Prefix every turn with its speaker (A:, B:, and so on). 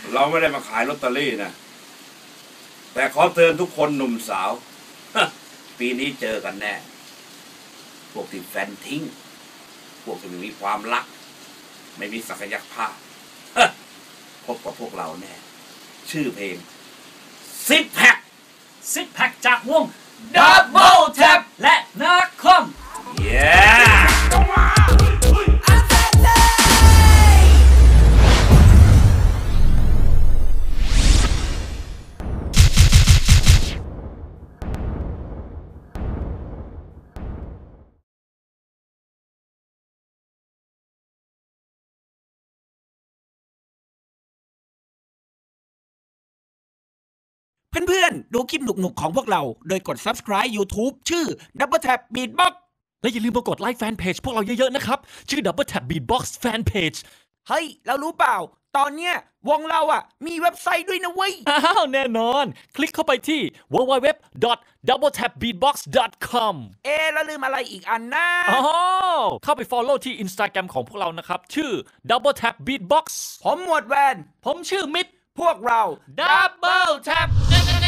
A: เราไม่ได้มาขายลอตเตอรี่นะแต่ขอเตือนทุกคนหนุ่มสาวปีนี้เจอกันแน่พวกที่แฟนทิ้งพวกที่ไม่มีความรักไม่มีศักยภาพพบกับพวกเราแน่ชื่อเพลงซิกแพค
B: จากวง Double Tap และนักคอม
C: เพื่อนๆ ดูคลิปหนุกๆของพวกเราโดยกด Subscribe YouTube ชื่อ Double Tap Beatbox
D: และอย่าลืมมากดไลค์แฟนเพจพวกเราเยอะๆนะครับชื่อ Double Tap Beatbox Fan Page
C: เฮ้ยเรารู้เปล่าตอนเนี้ยวงเรามีเว็บไซต์ด้วยนะเว้ย
D: อ้าวแน่นอนคลิกเข้าไปที่ www.doubletapbeatbox.com
C: แล้วลืมอะไรอีกอันนะ
D: อ๋อเข้าไป follow ที่ Instagram ของพวกเรานะครับชื่อ Double Tap Beatbox
C: ผมหมวดแวน
D: ผมชื่อมิด
C: พวกเรา
D: Double Tap